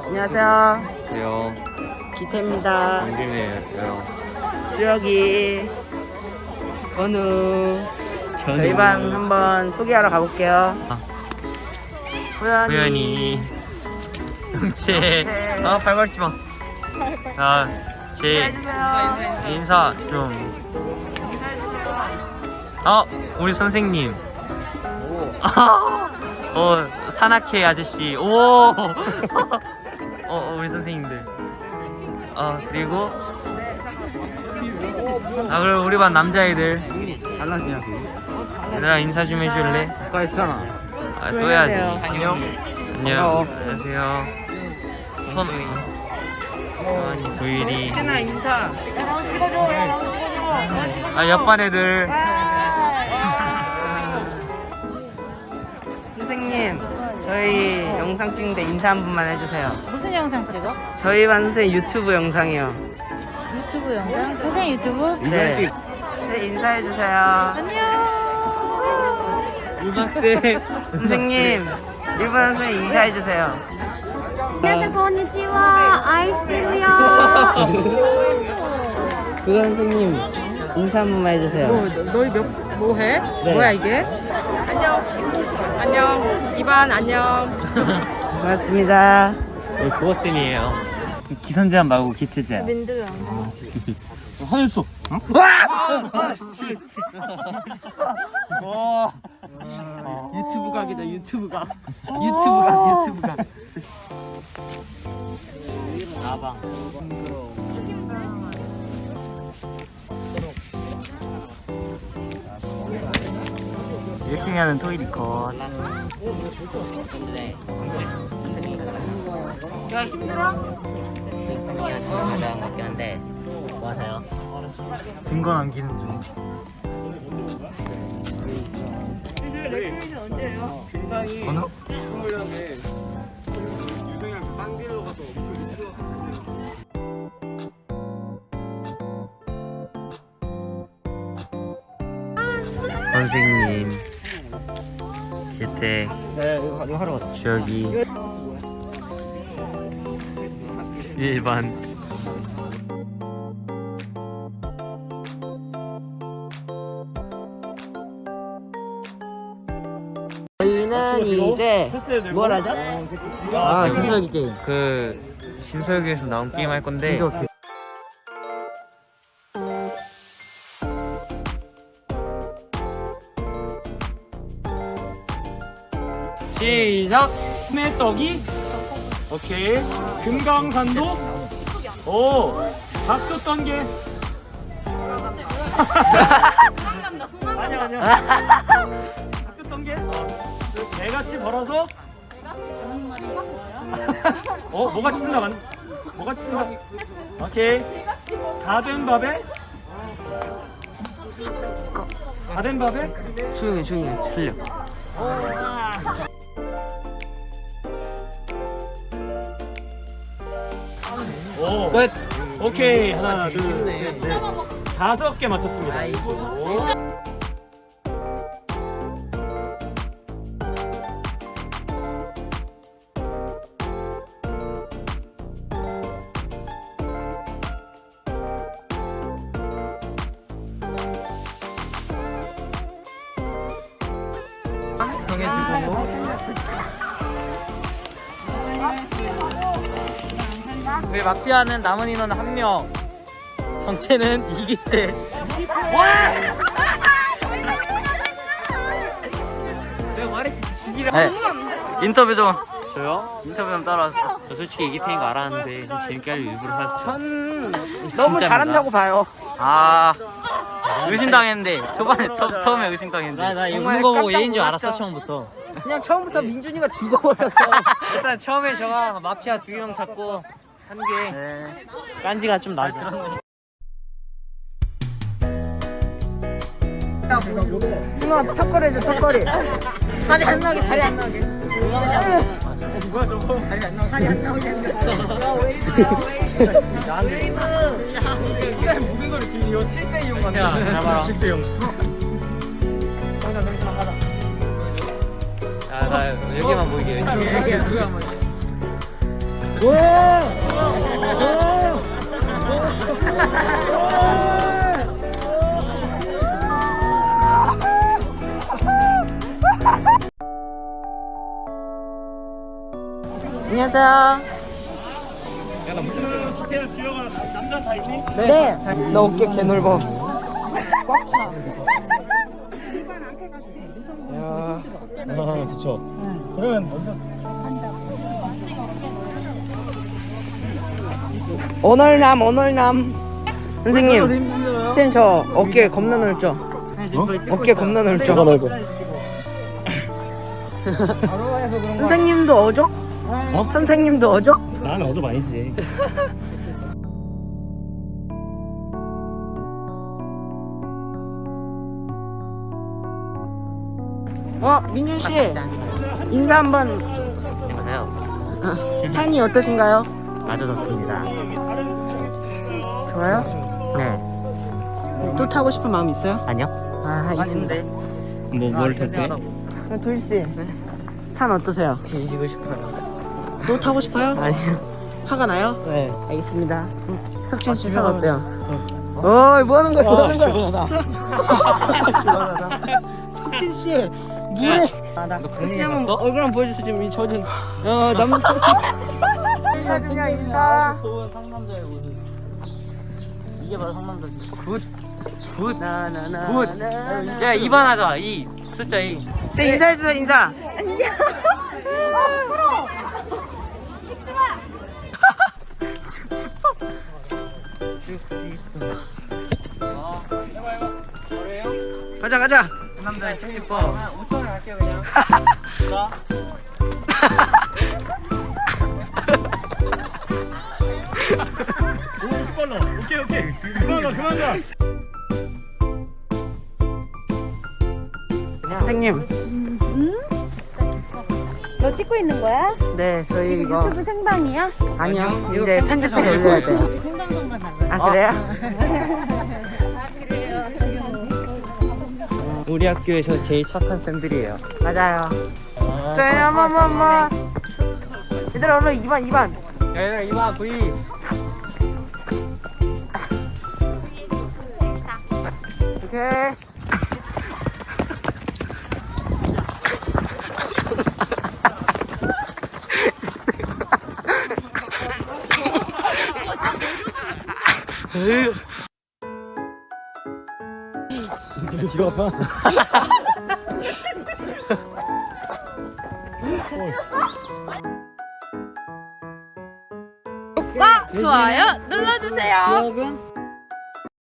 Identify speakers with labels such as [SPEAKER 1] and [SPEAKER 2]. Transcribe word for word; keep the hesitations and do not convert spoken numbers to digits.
[SPEAKER 1] 안녕하세요.
[SPEAKER 2] 안녕하세요.
[SPEAKER 1] 기태입니다.
[SPEAKER 2] 강진이에요.
[SPEAKER 1] 수혁이, 건우. 저희 반 한번 소개하러 가볼게요.
[SPEAKER 2] 아.
[SPEAKER 1] 호연이,
[SPEAKER 2] 호연이, 영채.
[SPEAKER 1] 영채.
[SPEAKER 2] 아, 발발지 마. 자, 제
[SPEAKER 1] 인사해주세요.
[SPEAKER 2] 인사 좀. 어, 우리 선생님. 아, 어, 산악회 아저씨. 오. 어, 우리 선생님들. 어, 그리고 아, 그리고 우리 반 남자애들.
[SPEAKER 1] 안녕하세요.
[SPEAKER 2] 얘들아, 인사 좀 해줄래?
[SPEAKER 1] 아까 했잖아.
[SPEAKER 2] 아, 또 해야지.
[SPEAKER 1] 해야 돼요.
[SPEAKER 2] 안녕.
[SPEAKER 1] 반가워.
[SPEAKER 2] 안녕. 안녕하세요. 선우이. 선우이, 도일이.
[SPEAKER 1] 신아 인사.
[SPEAKER 2] 아, 옆반 애들.
[SPEAKER 1] 선생님, 저희 영상 찍는데 인사 한 번만 해주세요.
[SPEAKER 3] 무슨 영상 찍어?
[SPEAKER 1] 저희 반 선생님 유튜브 영상이요.
[SPEAKER 3] 유튜브 영상? 선생님 유튜브?
[SPEAKER 1] 네. 네, 인사해주세요.
[SPEAKER 3] 안녕.
[SPEAKER 2] 유박생.
[SPEAKER 1] 선생님, 일본 선생님 인사해주세요.
[SPEAKER 4] 안녕하세요, konnichiwa. 아이스테루요.
[SPEAKER 1] 그거 선생님 인사 한 번만 해주세요.
[SPEAKER 5] 뭐, 너희 몇, 뭐 해?
[SPEAKER 1] 네.
[SPEAKER 5] 뭐야, 이게? 안녕. 안녕. 이반, 안녕.
[SPEAKER 1] 고맙습니다.
[SPEAKER 2] 우리 국어쌤이에요. 기선제한 말고 기태제한.
[SPEAKER 3] 민두야.
[SPEAKER 2] 하늘소.
[SPEAKER 5] 유튜브 각이다, 유튜브 각.
[SPEAKER 1] 유튜브가 유튜브가.
[SPEAKER 2] 나방. 열심히 하는 토이리 컷.
[SPEAKER 5] 야, 힘들어?
[SPEAKER 2] 승관이가 지금 가장 같긴 한데 뭐 하세요? 증거 남기는 중. 번호? 선생님, 기태,
[SPEAKER 1] 네, 이거, 이거 하러 갔다.
[SPEAKER 2] 저기 일반.
[SPEAKER 1] 저희는 이제 뭘 하죠? 아, 신서기 게임.
[SPEAKER 2] 그 신서유기에서 나온 게임 할 건데
[SPEAKER 6] 시작! 스매떡이 오케이 금강산도 오 박수 떤게 아니야 아니야 박수 떤게 개같이 벌어서 어 뭐같이 쓴다 만 뭐같이 쓴다 오케이 다된 밥에 다된 밥에
[SPEAKER 1] 조용히 조용히 틀려.
[SPEAKER 6] 오 끝 오케이 하나 둘셋넷 다섯 개 맞췄습니다. 오.
[SPEAKER 1] 정해주고. 우리 마피아는 남은 인원 한 명. 정체는 이기태. 내가 말했지 죽이라. 네. 인터뷰 좀.
[SPEAKER 2] 저요?
[SPEAKER 1] 인터뷰 좀 따라왔어.
[SPEAKER 2] 저 솔직히 이기태인 거 알았는데 좀 재밌게 하려고 일부러 했어.
[SPEAKER 1] 전 너무
[SPEAKER 2] 진짜입니다.
[SPEAKER 1] 잘한다고 봐요.
[SPEAKER 2] 아, 의심당했는데 초반에 처, 처음에 의심당했는데
[SPEAKER 5] 나, 나 이거
[SPEAKER 1] 정말
[SPEAKER 5] 그거 보고
[SPEAKER 1] 깜짝
[SPEAKER 5] 얘인 줄 알았어,
[SPEAKER 1] 놀랐죠.
[SPEAKER 5] 처음부터.
[SPEAKER 1] 그냥 처음부터 민준이가 죽어버렸어.
[SPEAKER 5] 일단 처음에 저가 마피아 두 명 잡고 한 게
[SPEAKER 1] 네.
[SPEAKER 5] 깐지가 좀 나죠.
[SPEAKER 1] 누나 턱걸이 해줘 턱걸이.
[SPEAKER 5] 다리 안 나오게, 다리 안 나오게.
[SPEAKER 6] 뭐야 저거
[SPEAKER 1] 다리 안 나오게. 다리 안 나오게.
[SPEAKER 6] 이게 무슨 소리 지금 이거 칠 세 이용 같냐?
[SPEAKER 2] 야, 잡아라.
[SPEAKER 6] 칠 세 이용.
[SPEAKER 2] 야, 나 여기만 보이게.
[SPEAKER 6] 이게 누가 한번
[SPEAKER 1] 안녕하세요.
[SPEAKER 6] 호텔 지영아 남자 다 있니?
[SPEAKER 1] 네. 너 어깨 개 넓어. 꽉 차.
[SPEAKER 6] 야, 아, 그쵸. 그러면 먼저.
[SPEAKER 7] 오늘남 오늘남 선생님 선생님 저 어깨 겁나 넓죠? 어깨 겁나 넓죠?
[SPEAKER 6] 뭐가 넓어?
[SPEAKER 7] 선생님도 어죠?
[SPEAKER 6] 어?
[SPEAKER 7] 선생님도 어죠?
[SPEAKER 6] 나는 어제 아니지.
[SPEAKER 7] 어 민준씨 인사 한번.
[SPEAKER 2] 안녕하세요.
[SPEAKER 7] 어, 산이 어떠신가요?
[SPEAKER 2] 아주 좋습니다.
[SPEAKER 7] 좋아요?
[SPEAKER 2] 네.
[SPEAKER 7] 또 타고 싶은 마음 있어요?
[SPEAKER 2] 아니요?
[SPEAKER 7] 아 있습니다.
[SPEAKER 6] 뭐, 뭘 탈때?
[SPEAKER 7] 도일씨 산 어떠세요?
[SPEAKER 2] 뒤지고 싶어요.
[SPEAKER 7] 또 타고 싶어요?
[SPEAKER 2] 아니요.
[SPEAKER 7] 화가 나요?
[SPEAKER 2] 네.
[SPEAKER 7] 알겠습니다. 석진씨 산 어때요? 어이 뭐하는 거야 뭐하는 거야. 석진씨 물에 혹시 한번 얼굴 한번 보여주세요. 지금 이 젖은 어 남자 인사 그냥 인사.
[SPEAKER 1] 좋은 상남자의 모습. 이게 바로 상남자지. 굿. 굿.
[SPEAKER 7] 나나나
[SPEAKER 1] 굿. 야, 이 번 하자. 이. 숫자 이.
[SPEAKER 7] 네, 인사해주세요 인사. 가자 가자.
[SPEAKER 1] 상남자의 축지법. 오천 원 할게요, 그냥. 자.
[SPEAKER 6] 오, 빨라. 오케이, 오케이. 그만 가, 그만 가.
[SPEAKER 7] 선생님.
[SPEAKER 4] 너 찍고 있는 거야?
[SPEAKER 7] 네 저희 이거
[SPEAKER 4] 유튜브 생방이야?
[SPEAKER 7] 아니요 이제 편집해서 올려야 돼.
[SPEAKER 3] 생방송만 나가요.
[SPEAKER 7] 아 그래요?
[SPEAKER 2] 우리 학교에서 제일 착한 쌤들이에요.
[SPEAKER 7] 맞아요. 저희 한번 한번 얘들아 얼른 이 반 이 반.
[SPEAKER 1] 야, 이 번 V.
[SPEAKER 7] 오케이.
[SPEAKER 6] 이거 봐.
[SPEAKER 5] 구독과 좋아요 눌러주세요.
[SPEAKER 1] 기억은?